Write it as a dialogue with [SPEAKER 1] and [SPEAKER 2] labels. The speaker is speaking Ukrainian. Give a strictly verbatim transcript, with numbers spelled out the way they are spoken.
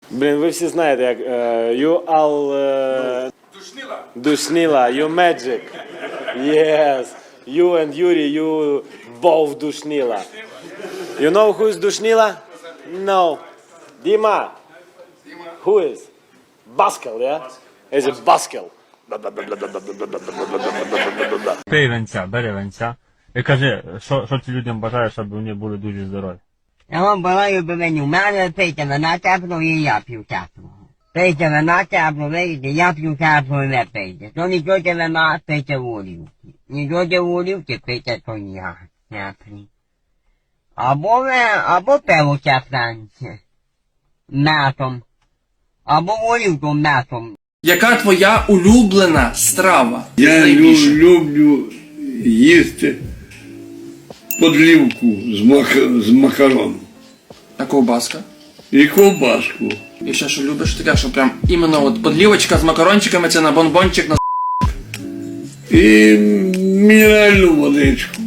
[SPEAKER 1] Блін, ви всі знаєте, як uh, you all... Uh,
[SPEAKER 2] Душнила.
[SPEAKER 1] Душнила, you magic. Yes. You and Yuri, you both Душнила. You know who is Душнила? No. Dima. Who is? Baskel, yeah? Is it Baskel?
[SPEAKER 3] Пий венця, бери венця. І кажи, що, що ти людям бажаєш, щоб вони були дуже здорові.
[SPEAKER 4] Я вам бажаю, би мені, у мене пийте вина теплого і я п'ю теплого. Пийте вина теплого, видите, я п'ю теплого і ви пийте. То не п'єте вина, пийте горілки. Не п'єте горілки, пийте коньяк теплий. Або ви, або пиво тепленьке. Метом. Або горілку метом.
[SPEAKER 5] Яка твоя улюблена страва?
[SPEAKER 6] Я лю-
[SPEAKER 5] Найбільше?
[SPEAKER 6] люблю їсти подлівку з, мак- з макароном
[SPEAKER 5] А ковбаска?
[SPEAKER 6] і ковбаску.
[SPEAKER 5] І ще що любиш таке, що прям іменно от подлівочка з макарончиками, це на бонбончик, на
[SPEAKER 6] І мінеральну водичку.